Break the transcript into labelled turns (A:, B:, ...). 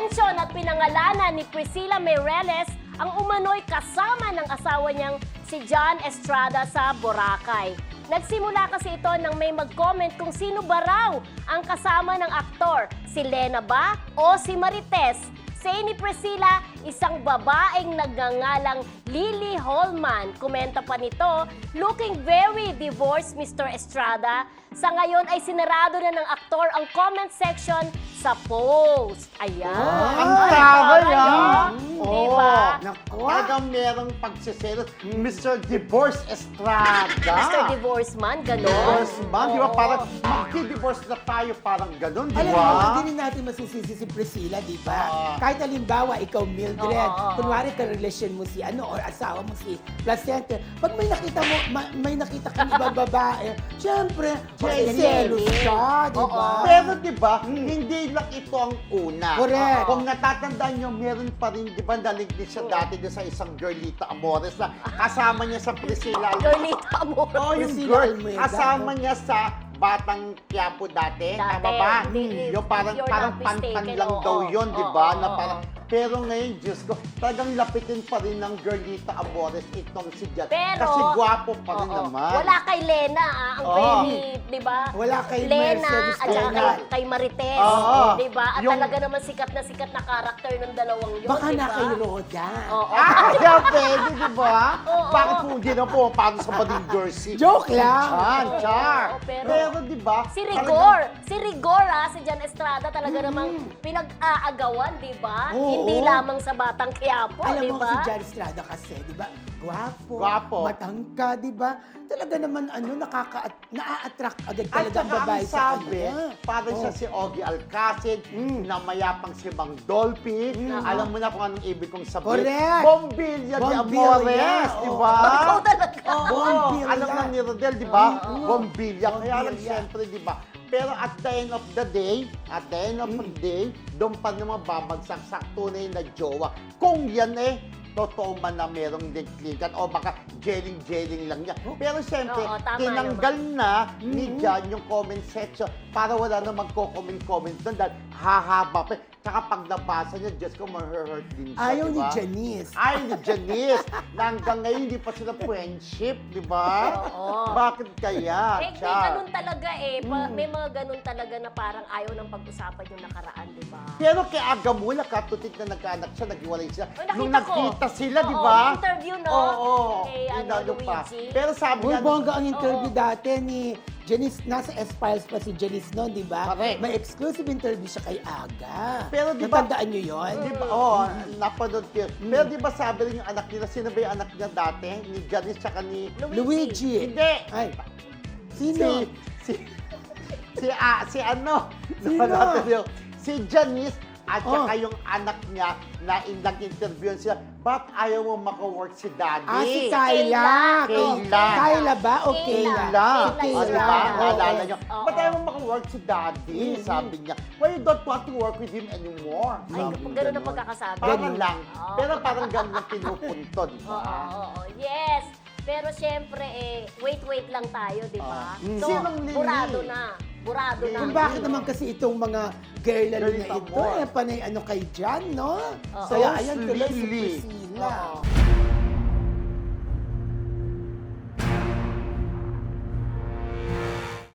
A: Minention at pinangalanan ni Priscilla Meireles ang umano'y kasama ng asawa niyang si John Estrada sa Boracay. Nagsimula kasi ito nang may mag-comment kung sino ba raw ang kasama ng aktor, si Lena ba o si Marites. Say ni Priscilla, isang babaeng nagngangalang Lily Holman. Komenta pa nito, looking very divorced, Mr. Estrada. Sa ngayon ay sinarado na ng aktor ang comment section sa post. Ayan.
B: Ang taray,
A: ah. Diba?
B: Naku, talagang merong pagsiselos. Mr. Divorce Estrada.
A: Mr. Divorce man, gano'n.
B: Divorce man, di ba?
A: Oo.
B: Parang magki-divorce na tayo, parang gano'n, di
C: Alam
B: ba?
C: mo, hindi rin natin masisisi si Priscilla, di ba? Kahit halimbawa, ikaw Mildred,
A: Oo.
C: kunwari ka-relasyon mo si or asawa mo si Placente, pag may nakita mo, may nakita kang ibang babae, syempre, selos siya, di ba?
B: Pero di ba, hindi lang ito ang una.
C: Correct.
B: Kung natatandaan nyo, meron pa rin, di ba, naligid siya dati doon sa isang girlita Amores na kasama niya sa Priscilla.
A: Girlita mo.
B: Oo, yung
C: Priscilla
B: girl,
C: Almeida.
B: kasama niya sa Batang Quiapo dati. Tama ba?
A: Hindi,
B: Yung parang,
A: if you're
B: parang
A: not
B: pantan
A: mistaken,
B: lang
A: oo,
B: daw yun, di ba?
A: oo,
B: Na
A: oo.
B: parang, pero ngayon, Diyos ko, talagang lapitin pa rin ng girlita Amores itong si Jan.
A: Pero,
B: Kasi gwapo pa rin
A: oo,
B: naman.
A: wala kay Lena, ang
B: Oo.
A: very, di ba?
C: Wala kay
A: Lena
C: Mercedes
A: at saka
B: Lena.
A: kay Marites,
B: Oo.
A: di ba? At
B: Yung-
A: talaga naman sikat na karakter ng dalawang yun,
C: Baka
A: di
C: na
A: ba?
C: kay Roda.
A: Oo.
B: Yeah, pwede, di ba?
A: Oo.
B: Bakit po hindi na po para sa Bading Jersey?
C: Joke lang.
B: Char.
A: Oo,
B: Pero di ba?
A: Si Rigor, si Jan Estrada talaga namang pinag-aagawan, di ba?
C: Oo.
A: Hindi lamang sa Batang Quiapo,
C: Alam
A: di
C: mo
A: ba?
C: si John Estrada kasi, di ba? Gwapo,
B: Gwapo.
C: matangka, di ba? Talaga naman, naa-attract agad
B: At
C: talaga ang
B: saka
C: babae
B: ang
C: sa
B: sabi,
C: kanya.
B: parang siya si Ogie Alcacid, na mayapang si Mang Dolphy. Alam mo na kung anong ibig kong sabihin.
C: Correct.
B: Bombilya de
C: Bombilya,
B: Amores, di ba?
A: Ikaw talaga.
B: Oo,
C: Bombilya.
B: alam na ni Rodel, di ba? Bombilya. Kaya lang
C: Bombilya.
B: siyempre, di ba? Pero at the end of the day, doon pa naman babagsak sa tunay na jowa. Kung yan totoo man na merong nagklikan o baka jeling lang niya. Pero siyempre,
A: Oo, tama
B: tinanggal na ni Jan yung comment section para wala na magko-comment doon dahil hahaba pa. Tsaka pag nabasa niya, Diyos ko, ma-hurt din siya,
C: Ayaw ni
B: diba?
C: Janice.
B: Ayaw ni Janice. Na hanggang ngayon, hindi pa sila friendship, di ba?
A: Oo.
B: Bakit kaya?
A: May ganun talaga may mga ganun talaga na parang ayaw nang pag-usapan yung nakaraan, di ba?
B: Pero kay Agamula, katutik na nagkaanak siya, naghiwalay sila.
A: Ay, nakita
B: Nung
A: ko.
B: nagkita sila, di
A: Oo,
B: ba?
A: yung interview, no?
B: Oo.
A: Kay,
B: Inano pa.
A: Luigi.
B: Pero sabi
C: Uy,
B: nga,
C: bongga ang interview
A: Oo.
C: dati ni Janice. Nasa S-Files pa si Janice noon, di ba?
B: Correct.
C: May exclusive interview siya kay Aga.
B: Pero di ba-
C: Natandaan niyo yun?
B: di ba, napanood ko yun. Pero di ba sabi rin yung anak nila, sino ba yung anak niya dati? Ni Janice tsaka ni...
C: Luigi.
B: Hindi!
C: Ay, sino?
B: Si ano?
C: Sino?
B: Napanatan niyo. Si Janice at saka
C: Oh.
B: yung anak niya na nag-interview sila, ba't ayaw mo maka-work si Daddy?
C: Si Kayla.
B: Kayla.
C: Kayla ba o
A: Kayla.
C: Kayla?
B: O,
A: Kayla.
B: di ba?
A: Oo.
B: Naalala niyo.
A: Oo.
B: Ba't ayaw mo maka-work si Daddy? Sabi niya. Why you don't want to work with him anymore?
A: Ay,
B: Sabi
A: ganun ang
B: ganon.
A: pagkakasabi.
B: Parang
C: Ganun.
B: lang.
A: Oo.
B: Pero parang ganun ang pinupunto, di
A: Oo,
B: ba?
A: oo. Yes. Pero syempre, wait lang tayo, di ba? So,
B: Sinong Lily?
A: burado na. Burado na.
C: Kung bakit naman kasi itong mga girl na
B: Girl
C: ito,
B: more.
C: panay ano kay Jan, no?
A: Oo.
C: Kaya ayan tuloy si
B: Lily.
C: Priscilla.
A: Oo.